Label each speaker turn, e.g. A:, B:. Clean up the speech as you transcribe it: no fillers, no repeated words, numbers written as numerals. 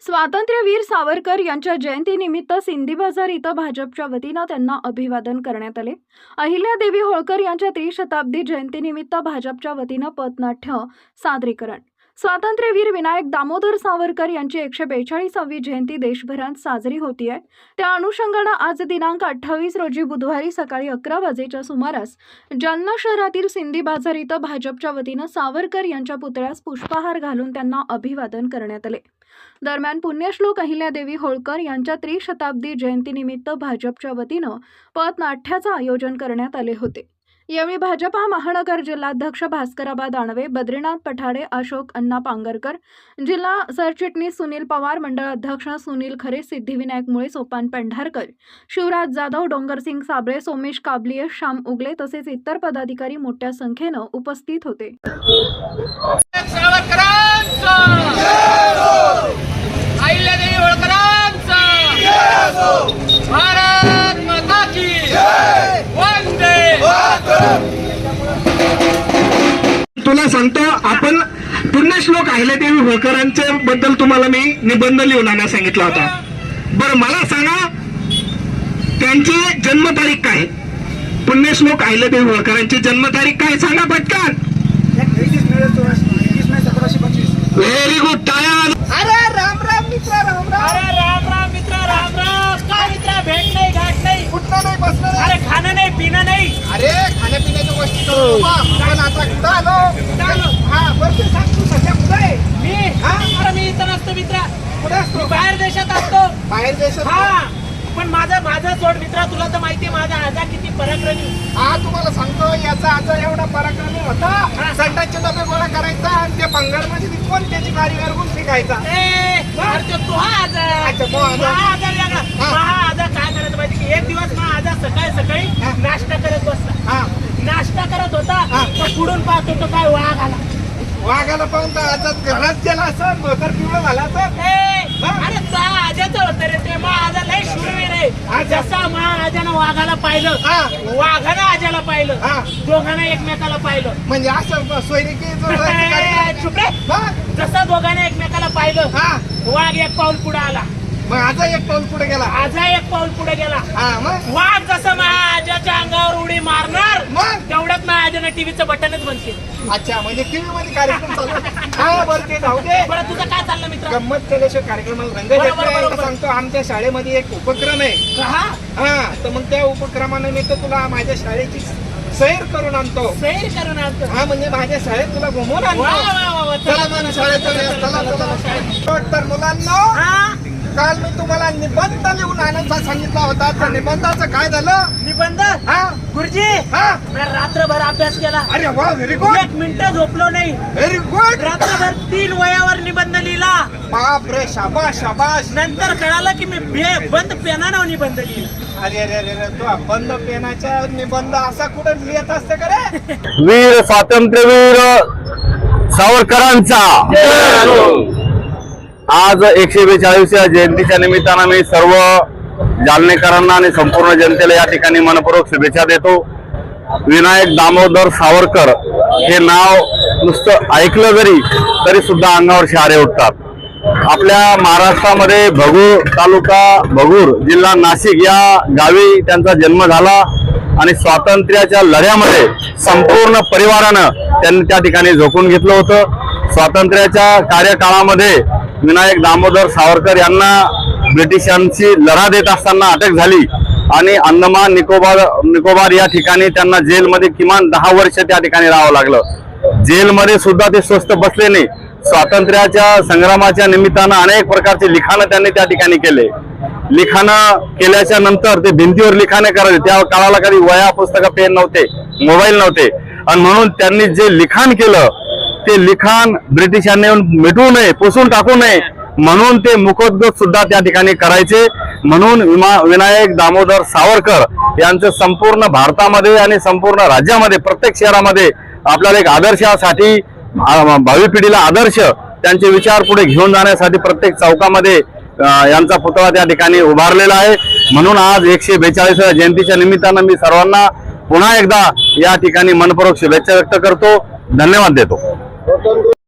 A: स्वातंत्र्यवीर सावरकर यांच्या जयंतीनिमित्त सिंधी बाजार इथं भाजपच्या वतीनं त्यांना अभिवादन करण्यात आले। अहिल्यादेवी होळकर यांच्या त्रिशताब्दी जयंतीनिमित्त भाजपच्या वतीनं पथनाट्य सादरीकरण। स्वातंत्र्यवीर विनायक दामोदर सावरकर यांची 142वी जयंती देशभरात साजरी होतीये। त्या अनुषंगानं आज दिनांक 28 रोजी बुधवारी सकाळी 11 वाजेच्या सुमारास जालना शहरातील सिंधी बाजार इथं भाजपच्या वतीनं सावरकर यांच्या पुतळ्यास पुष्पहार घालून त्यांना अभिवादन करण्यात आले। दरम्यान पुण्यश्लोक अहिल्यादेवी होळकर यांच्या त्रिशताब्दी जयंतीनिमित्त भाजपच्या वतीनं पथनाट्याचं आयोजन करण्यात आले होते। यावेळी भाजपा महानगर जिल्हाध्यक्ष भास्करबा दानवे, बद्रीनाथ पठाडे, अशोक अण्णा पांगरकर, जिल्हा सरचिटणीस सुनील पवार, मंडळ अध्यक्ष सुनील खरे, सिद्धिविनायक मुळे, सोपान पेंढारकर, शिवराज जाधव, डोंगरसिंग साबळे, सोमेश काबलिये, श्याम उगले तसेच इतर पदाधिकारी मोठ्या संख्येनं उपस्थित होते।
B: तुला सांगतो, आपण पुण्यश्लोक अहिल्यादेवी होळकरांच्या बद्दल तुम्हाला मी निबंध लिहून आणायला सांगितला होता। बरं मला सांगा, त्यांची जन्मतारीख काय? पुण्यश्लोक अहिल्यादेवी होळकरांची जन्मतारीख काय सांगा पटकन।
C: 21 मे 1725।
B: व्हेरी गुड, टाळ्या।
C: अरे राम राम मित्र, राम राम।
D: अरे राम राम मित्र, राम राम। काय मित्र, भेट नाही, गाठ नाही,
C: कुठलं नाही, बसलं नाही।
D: अरे खाणं नाही, पिणं नाही।
C: अरे खाण्यापिण्याच्या गोष्टी करू नका, पण आता कुठं आलो? हा बरं, सांग तू सध्या कुठं आहे?
D: मी अरे मी इथं नसतो मित्र,
C: कुठे असतो?
D: बाहेर देशात असतो।
C: बाहेर देशात?
D: हा, पण माझं सोड मित्र, तुला तर माहितीये माझा आजा किती पराक्रमी।
C: हा तुम्हाला सांगतो, याचा आजा एवढा पराक्रमी होता, संडासचे डबे गोळा करायचा आणि ते बंगालमध्ये विकून त्याची कारीगर गुण शिकायचा।
D: अरे तो हा आजा,
C: अच्छा, तो आजा.
D: हा आजा वेगळा। हा आजा काय करत माहिती की एक दिवस हा आजा सकाळी नाश्ता करत बसला।
C: हा
D: नाश्ता करत होता, तर पुढून पाहतो तो काय वाघ आला।
C: वाघाला पाहून तर आजा घरात गेला असं, मोतर पिवळं झाला असं।
D: अरे त्या आजाचं होतं रे ते, मग आजा लय शूरवीर आहे। जसा मा आजानं वाघाला पाहिलं, वाघानं आजाला पाहिलं, दोघांना एकमेकाला पाहिलं।
C: म्हणजे असं सोयरिकी
D: चुप रे। जसं दोघांना एकमेकाला पाहिलं, वाघ एक पाऊल पुढे आला,
C: मग आजा एक पाऊल पुढे गेला,
D: आजा एक पाऊल पुढे गेला।
C: मग
D: वाघ जसं महाराजाच्या अंगावर उडी मारणार,
C: मग
D: तेवढ्यात महाराजानं टीव्हीचं बटनच बंद केलं।
C: अच्छा, म्हणजे टीव्ही मध्ये कार्यक्रम चालू आहे। हा बरं, ते जाऊ दे।
D: बरं तुझं काय चाललं मित्र?
C: गंमत केल्याशिवाय कार्यक्रमाला रंग येत नाही। सांगतो, आमच्या शाळेमध्ये एक उपक्रम आहे। हा, तर मग त्या उपक्रमाने मी तर तुला माझ्या शाळेची सैर करून आणतो।
D: सैर करून आणतो?
C: हा, म्हणजे माझ्या शाळेत तुला घुमवून आणतो। चला मला शाळेत चला। तर मुलांना, काल मी तुम्हाला निबंध लिहून आणायचा सांगितला होता, त्या निबंधाचं काय झालं?
D: निबंध? गुरुजी, मी रात्रभर अभ्यास केला।
C: अरे वा, व्हेरी गुड।
D: 1 मिनिट झोपलो नाही।
C: Very good.
D: रात्रभर 3 वयावर निबंध लिहिला।
C: बाप रे, शाबाश शाबाश।
D: नंतर कळालं की मी बंद पेनानं निबंध लिहिला।
C: अरे अरे अरे, तू बंद पेनाच्या निबंध असा कुठं लिहित असते का रे?
B: वीर स्वातंत्र्यवीर सावरकरांचा आज 142व्या जयंतीच्या निमित्तानं मी सर्व जालनेकरांना आणि संपूर्ण जनतेला या ठिकाणी मनपूर्वक शुभेच्छा देतो। विनायक दामोदर सावरकर हे नाव नुसतं ऐकलं तरी सुद्धा अंगावर शहारे उठतात। आपल्या महाराष्ट्रामध्ये भगूर तालुका, भगूर जिल्हा नाशिक या गावी त्यांचा जन्म झाला आणि स्वातंत्र्याच्या लढ्यामध्ये संपूर्ण परिवारानं त्यांनी त्या ठिकाणी झोकून घेतलं होतं। स्वातंत्र्याच्या कार्यकाळामध्ये विनायक दामोदर सावरकर यांना ब्रिटिशांची लढा देत असताना अटक झाली आणि अंदमान निकोबार या ठिकाणी त्यांना जेलमध्ये किमान 10 वर्ष त्या ठिकाणी राहावं लागलं। जेलमध्ये सुद्धा ते स्वस्थ बसले नाही। स्वातंत्र्याच्या संग्रामाच्या निमित्तानं अनेक प्रकारचे लिखाणं त्यांनी त्या ठिकाणी केले। लिखाणं केल्याच्या नंतर ते भिंतीवर लिखाणे करायचे। त्या काळाला कधी वह्या, पुस्तकं, पेन नव्हते, मोबाईल नव्हते, आणि म्हणून त्यांनी जे लिखाण केलं ते लिखाण ब्रिटिशांनी मिटवू नये, पुसून टाकू नये म्हणून ते मुखोद्गत सुद्धा त्या ठिकाणी करायचे। म्हणून विनायक दामोदर सावरकर यांचं संपूर्ण भारतामध्ये आणि संपूर्ण राज्यामध्ये प्रत्येक शहरामध्ये आपल्याला एक आदर्शासाठी, भावी पिढीला आदर्श त्यांचे विचार पुढे घेऊन जाण्यासाठी प्रत्येक चौकामध्ये यांचा पुतळा त्या ठिकाणी उभारलेला आहे। म्हणून आज 142व्या जयंतीच्या निमित्तानं मी सर्वांना पुन्हा एकदा या ठिकाणी मनपूर्वक शुभेच्छा व्यक्त करतो, धन्यवाद देतो।